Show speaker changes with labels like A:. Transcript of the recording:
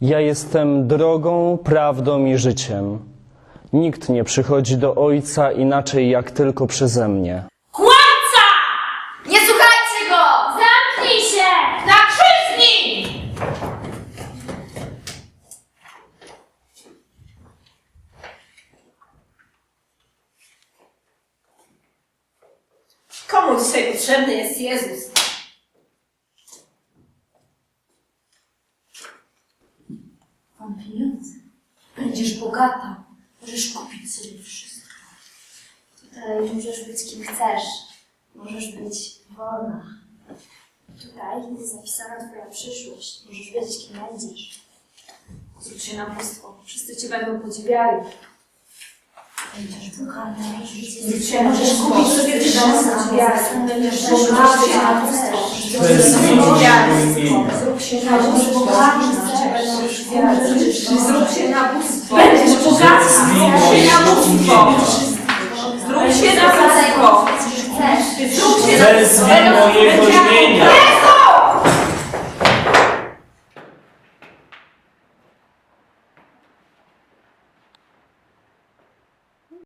A: Ja jestem drogą, prawdą i życiem. Nikt nie przychodzi do Ojca inaczej jak tylko przeze mnie.
B: Kłamca! Nie słuchajcie go! Zamknij się! Na krzyż z nim!
C: Komu dzisiaj potrzebny jest Jezus?
B: Mam pieniądze. Będziesz bogata. Możesz kupić sobie wszystko.
D: Tutaj możesz być kim chcesz. Możesz być wolna. Tutaj jest zapisana twoja przyszłość. Możesz wiedzieć, kim będziesz.
B: Zrób się na bóstwo. Wszyscy cię będą podziwiali.
D: Będziesz kochana.
B: Możesz kupić sobie wszystko. Będziesz bogata.
E: To jest
B: Zrób się na bóstwo. Wszyscy cię będą podziwiali. Zrób się na bóstwo.
C: Będziesz bogaty! Zrób się na bóstwo! Zrób się na bóstwo!
D: Chcesz.
C: Zrób się na bóstwo!
E: Wezwij mojego imienia.